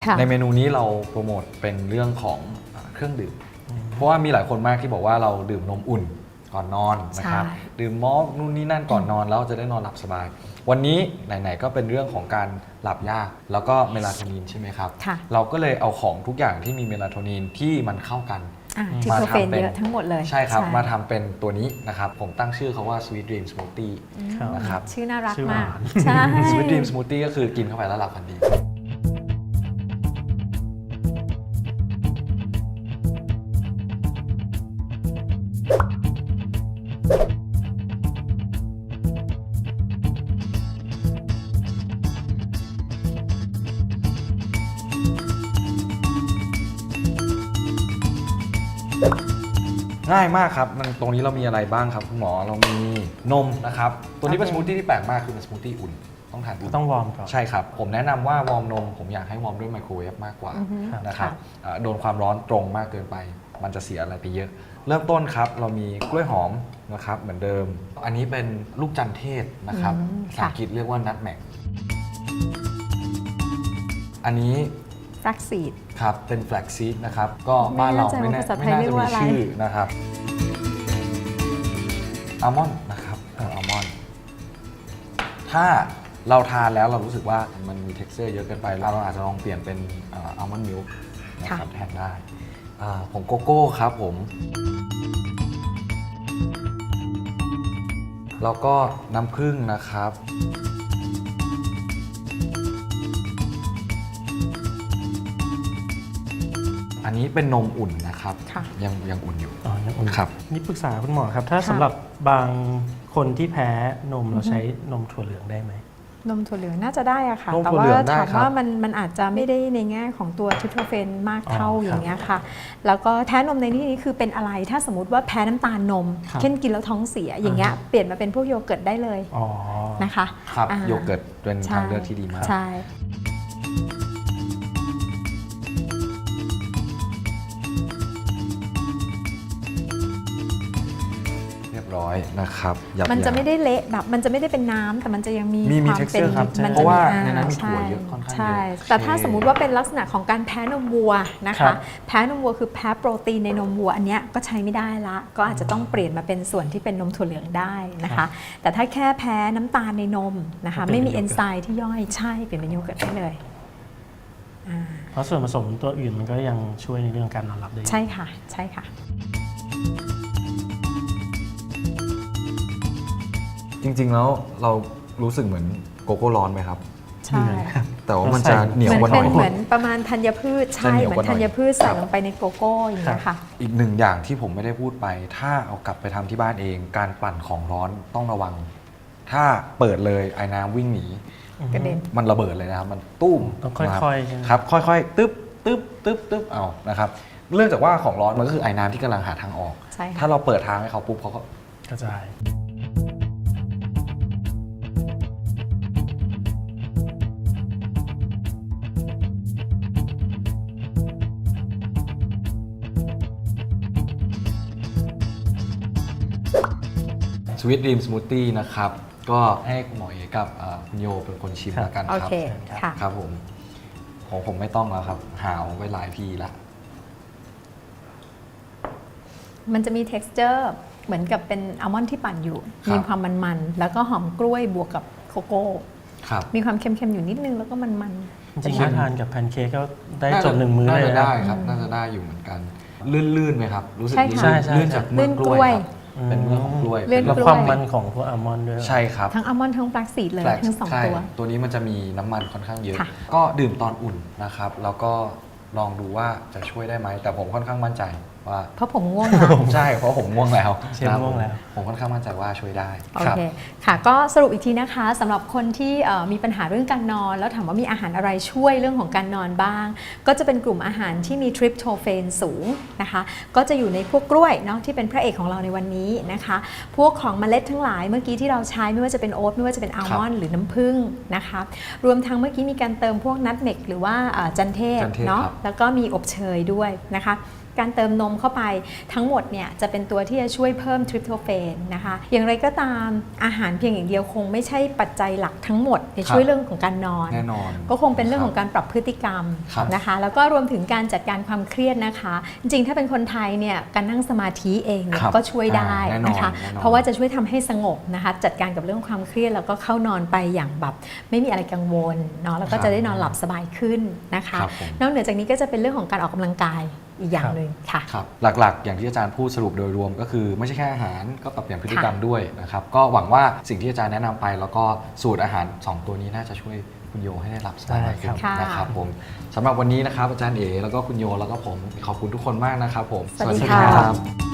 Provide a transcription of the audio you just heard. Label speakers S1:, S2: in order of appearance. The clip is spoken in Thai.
S1: ในเมนูนี้เราโปรโมทเป็นเรื่องของเครื่องดื่มเพราะว่ามีหลายคนมากที่บอกว่าเราดื่มนมอุ่นก่อนนอนนะครับดื่มมอลต์นู่นนี่นั่นก่อนนอนแล้วจะได้นอนหลับสบายวันนี้ไหนๆก็เป็นเรื่องของการหลับยากแล้วก็เมลาโทนินใช่ไหมครับเราก็เลยเอาของทุกอย่างที่มีเมลาโทนินที่มันเข้ากัน
S2: ทิโทเฟนเยอะทั้งหมดเลย
S1: ใช่ครับมาทำเป็นตัวนี้นะครับผมตั้งชื่อเขาว่า Sweet Dream Smoothie นะครับ
S2: ชื่อน่ารักมากใช่
S1: Sweet Dream Smoothie ก็คือกินเข้าไปแล้วหลับฝันดีง่ายมากครับตรงนี้เรามีอะไรบ้างครับคุณหมอเรามีนมนะครับตัวนี้เป็นสมูทตี้ที่แปลกมากคือเป็นสมูทตี้อุ่นต้องทานอุ่น
S3: ต้องวอร์มก่อน
S1: ใช่ครับผมแนะนำว่าวอร์มนมผมอยากให้วอร์มด้วยไมโครเวฟมากกว่านะครับโดนความร้อนตรงมากเกินไปมันจะเสียอะไรไปเยอะเริ่มต้นครับเรามีกล้วยหอมนะครับเหมือนเดิมอันนี้เป็นลูกจันเทศนะครับภาษาอังกฤษเรียกว่านัทแมกอันนี้
S2: แฟลกซีด
S1: ครับเป็นแฟลกซีดนะครับก็บ้านเราไม่น่าจะมีชื่อนะครับอัลมอนด์นะครับอัลมอนด์ถ้าเราทานแล้วเรารู้สึกว่ามันมี texture เยอะเกินไปเราอาจจะลองเปลี่ยนเป็นอัลมอนด์มิลค์นะครับแทนได้ผงโกโก้ครับผมแล้วก็น้ำผึ้งนะครับอันนี้เป็นนมอุ่นนะครับยังอุ่นอยู่
S3: ยังอุ่นครับนี่ปรึกษาคุณหมอครับถ้าสำหรับบางคนที่แพ้นมเราใช้นมถั่วเหลืองได้ไหม
S2: นมถั่วเหลืองน่าจะได้อะค่ะแต่ว่าถามว่ามันอาจจะไม่ได้ในแง่ของตัวทิโทเฟนมากเท่าอย่างเงี้ยค่ะแล้วก็แพ้นมในที่นี้คือเป็นอะไรถ้าสมมติว่าแพ้น้ำตาลนมเช่นกินแล้วท้องเสียอย่างเงี้ยเปลี่ยนมาเป็นพวกโยเกิร์ตได้เลยนะคะ
S1: ครับโยเกิร์ตเป็นทางเลือกที่ดีมาก
S2: ใช่
S1: ร้อยนะครับ
S2: มันจะไม่ได้เละแบบมันจะไม่ได้เป็นน้ำแต่มันจะยังมี
S1: ความเป็นเพราะว่าในนั้นมีถั่วเยอะค่อนข้างเยอะ
S2: แต่ถ้าสมมุติว่าเป็นลักษณะของการแพ้นมวัวนะคะแพ้นมวัวคือแพ้โปรตีนในนมวัวอันเนี้ยก็ใช้ไม่ได้ละก็อาจจะต้องเปลี่ยนมาเป็นส่วนที่เป็นนมถั่วเหลืองได้นะคะแต่ถ้าแค่แพ้น้ำตาลในนมนะคะไม่มีเอนไซม์ที่ย่อยใช่เปลี่ยนเป็นโยเกิร์ตได้เลย
S3: เพราะส่วนผสมตัวอื่นมันก็ยังช่วยในเรื่องการนอนหลับได้
S2: ใช่ค่ะใช่ค่ะ
S1: จริงๆแล้วเรารู้สึกเหมือนโกโก้ร้อนไหมครับ
S2: ใช่
S1: แต่ว่ามันจะเหนียวกว่าหน่อย
S2: เหมือนประมาณธัญพืชใช่เหมือนธัญพืชใส่ลงไปในโกโก้อย่างเงี้ยค่ะ
S1: อีกหนึ่งอย่างที่ผมไม่ได้พูดไปถ้าเอากลับไปทำที่บ้านเองการปั่นของร้อนต้องระวังถ้าเปิดเลยไอ้น้ำวิ่งหนี
S2: กระเด็น
S1: มันระเบิดเลยนะครับมันตุ้ม
S3: ต้องค่อยๆ
S1: ครับค่อยๆตึ๊บตึ๊บตึ๊บตึ๊บเอานะครับเรื่องจากว่าของร้อนมันก็คือไอ้น้ำที่กำลังหาทางออกถ้าเราเปิดทางให้เขาปุ๊บเขาก็
S3: กระจาย
S1: สวีทดรีมสมูทตี้นะครับก็ให้คุณหมอเอกับคุณโยเป็นคนชิมแล้วกันครับครับผมของผมไม่ต้องแล้วครับหาวไว้หลายทีละ
S2: มันจะมี texture เหมือนกับเป็นอัลมอนด์ที่ปั่นอยู่มีความมันๆแล้วก็หอมกล้วยบวกกับโกโก้มีความเค็มๆอยู่นิดนึงแล้วก็มัน
S3: ๆจริงๆถ้าทานกับแพนเค้กก็ได้จบหนึ่งมื้อเลย
S1: ได้ครับน่าจะได้อยู่เหมือนกันลื่นๆไหมครับรู้สึกลื่นจากเมือกล้วยเป็นเมือกของกล้วย
S3: แล้วความมันของพวกอัลมอนด์ด้วย
S1: ใช่ครับ
S2: ทั้งอัลมอนด์ทั้งแฟลกซีดเลยทั้งสอง
S1: ตัวนี้มันจะมีน้ำมันค่อนข้างเยอะก็ดื่มตอนอุ่นนะครับแล้วก็ลองดูว่าจะช่วยได้ไหมแต่ผมค่อนข้างมั่นใจว่า
S2: เพราะผมง่วงแล้ว
S1: ใช่เพราะผมง่วงแล้ว
S3: ง่วงแล้ว
S1: ผมค่อนข้างมั่นใจว่าช่วยได้
S2: โอเคค่ะก็สรุปอีกทีนะคะสำหรับคนที่มีปัญหาเรื่องการนอนแล้วถามว่ามีอาหารอะไรช่วยเรื่องของการนอนบ้างก็จะเป็นกลุ่มอาหารที่มีทริปโตเฟนสูงนะคะก็จะอยู่ในพวกกล้วยเนาะที่เป็นพระเอกของเราในวันนี้นะคะพวกของเมล็ดทั้งหลายเมื่อกี้ที่เราใช้ไม่ว่าจะเป็นโอ๊ตไม่ว่าจะเป็นอัลมอนด์หรือน้ำผึ้งนะคะรวมทั้งเมื่อกี้มีการเติมพวกนัทเมกหรือว่าจันเทศเนาะแล้วก็มีอบเชยด้วยนะคะการเติมนมเข้าไปทั้งหมดเนี่ยจะเป็นตัวที่จะช่วยเพิ่มทริปโตเฟนนะคะอย่างไรก็ตามอาหารเพียงอย่างเดียวคงไม่ใช่ปัจจัยหลักทั้งหมดในช่วยเรื่องของการนอน
S1: แน่นอน
S2: ก็คงเป็นเรื่องของการปรับพฤติกรรม
S1: ครับ
S2: นะคะแล้วก็รวมถึงการจัดการความเครียดนะคะ จริงๆถ้าเป็นคนไทยเนี่ยการนั่งสมาธิเองเนี่ย
S1: ครับ
S2: ก็ช่วยได้
S1: แน่นอน
S2: นะคะ
S1: แน่นอน
S2: เพราะว่าจะช่วยทำให้สงบนะคะจัดการกับเรื่องความเครียดแล้วก็เข้านอนไปอย่างแบบไม่มีอะไรกังวลเนาะแล้วก็จะได้นอนหลับสบายขึ้นนะคะ
S1: ครับผม
S2: นอกเหนือจากนี้ก็จะเป็นเรื่องของการออกกำลังกายอีกอย่างหนึ่งค่ะ
S1: ครับหลักๆ อย่างที่อาจารย์พูดสรุปโดยรวมก็คือไม่ใช่แค่อาหารก็ปรับเปลี่ยนพฤติกรรมด้วยนะครับก็หวังว่าสิ่งที่อาจารย์แนะนำไป แล้วก็สูตรอาหาร 2 ตัวนี้น่าจะช่วยคุณโยให้ได้หลับสบาย
S3: ได้
S1: ขึ้
S3: ครั
S1: น
S3: บ
S2: ค่ะ
S1: นะครับผมสำหรับวันนี้นะครับอาจารย์เอ๋แล้วก็คุณโยแล้วก็ผมขอบคุณทุกคนมากนะครับผม
S2: สวัสดีค่ะ
S1: รับ